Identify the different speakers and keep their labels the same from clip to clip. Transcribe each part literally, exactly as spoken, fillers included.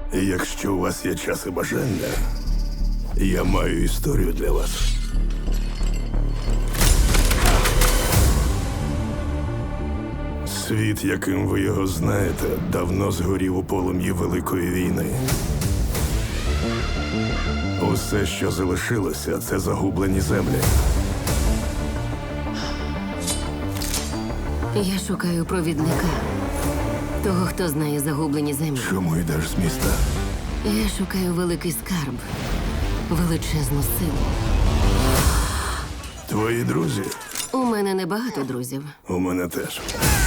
Speaker 1: Якщо у вас є час і бажання, я маю історію для вас. Світ, яким ви його знаєте, давно згорів у полум'ї Великої війни. Усе, що залишилося, це загублені землі.
Speaker 2: Я шукаю провідника. Того, хто знає загублені землі.
Speaker 1: Чому йдеш з міста?
Speaker 2: Я шукаю великий скарб. Величезну силу.
Speaker 1: Твої друзі?
Speaker 2: У мене небагато друзів.
Speaker 1: У мене теж.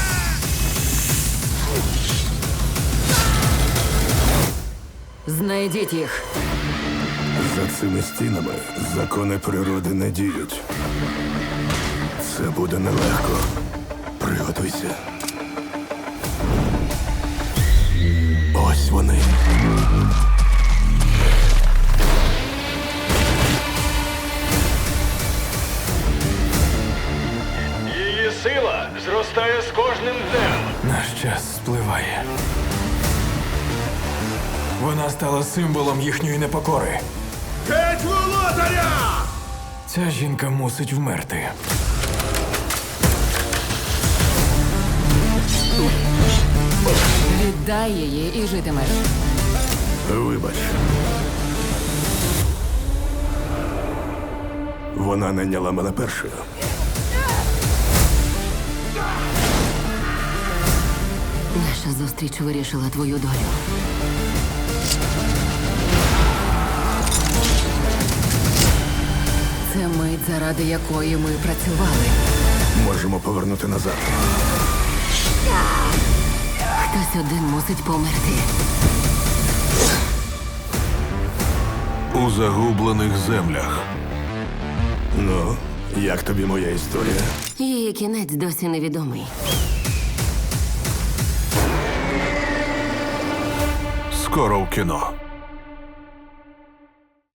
Speaker 2: Знайдіть їх.
Speaker 1: За цими стінами закони природи не діють. Це буде нелегко. Приготуйся. Ось вони.
Speaker 3: Її сила зростає з кожним днем.
Speaker 4: Наш час спливає. Вона стала символом їхньої непокори.
Speaker 3: Геть володаря!
Speaker 4: Ця жінка мусить вмерти.
Speaker 2: Віддай її і житимеш.
Speaker 1: Вибач. Вона найняла мене першою.
Speaker 2: Наша зустріч вирішила твою долю. Це мить, заради якої ми працювали.
Speaker 1: Можемо повернути назад.
Speaker 2: Хтось один мусить померти.
Speaker 1: У загублених землях. Ну, як тобі моя історія?
Speaker 2: Її кінець досі невідомий.
Speaker 1: Скоро в кіно.